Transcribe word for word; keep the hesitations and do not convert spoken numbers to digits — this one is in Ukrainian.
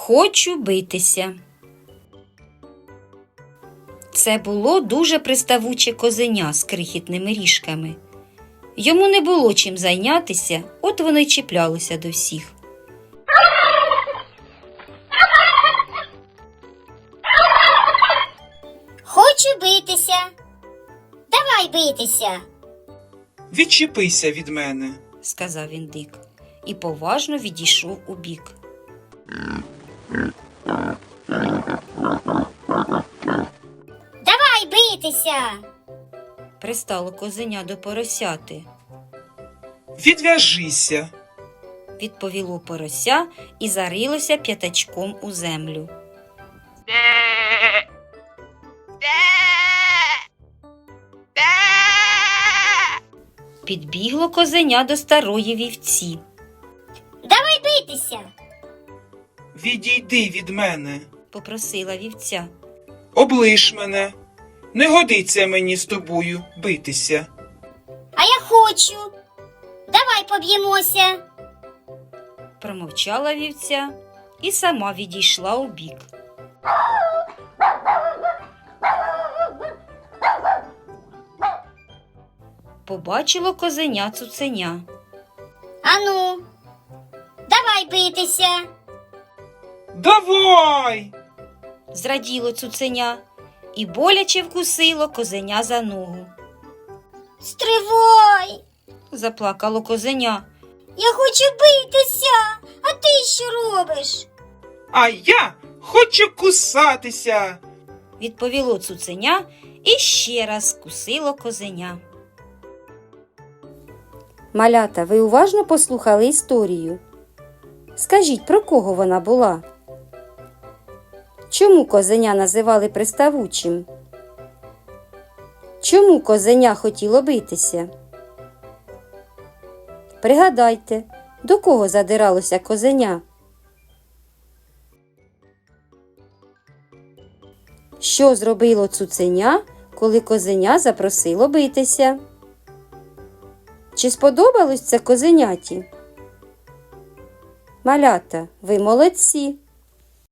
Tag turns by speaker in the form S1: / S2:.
S1: Хочу битися. Це було дуже приставуче козеня з крихітними ріжками. Йому не було чим зайнятися, от воно й чіплялося до всіх.
S2: Хочу битися. Давай битися.
S3: Відчепися від мене.
S1: Сказав він Дик і поважно відійшов у бік.
S2: Давай битися.
S1: Пристало козеня до поросяти.
S3: Відв'яжися.
S1: Відповіло порося і зарилося п'ятачком у землю. Підбігло козеня до старої вівці.
S2: Давай битися.
S3: Відійди від мене.
S1: Попросила вівця.
S3: Облиш мене. Не годиться мені з тобою битися.
S2: А я хочу. Давай поб'ємося.
S1: Промовчала вівця і сама відійшла у бік. Побачило козеня цуценя.
S2: Ану, давай битися.
S3: Давай!
S1: Зраділо цуценя і боляче вкусило козеня за ногу.
S2: Стривай.
S1: Заплакало козеня.
S2: Я хочу битися. А ти що робиш?
S3: А я хочу кусатися.
S1: Відповіло цуценя і ще раз кусило козеня. Малята, ви уважно послухали історію? Скажіть, про кого вона була? Чому козеня називали приставучим? Чому козеня хотіло битися? Пригадайте, до кого задиралося козеня? Що зробило цуценя, коли козеня запросило битися? Чи сподобалось це козеняті? Малята, ви молодці!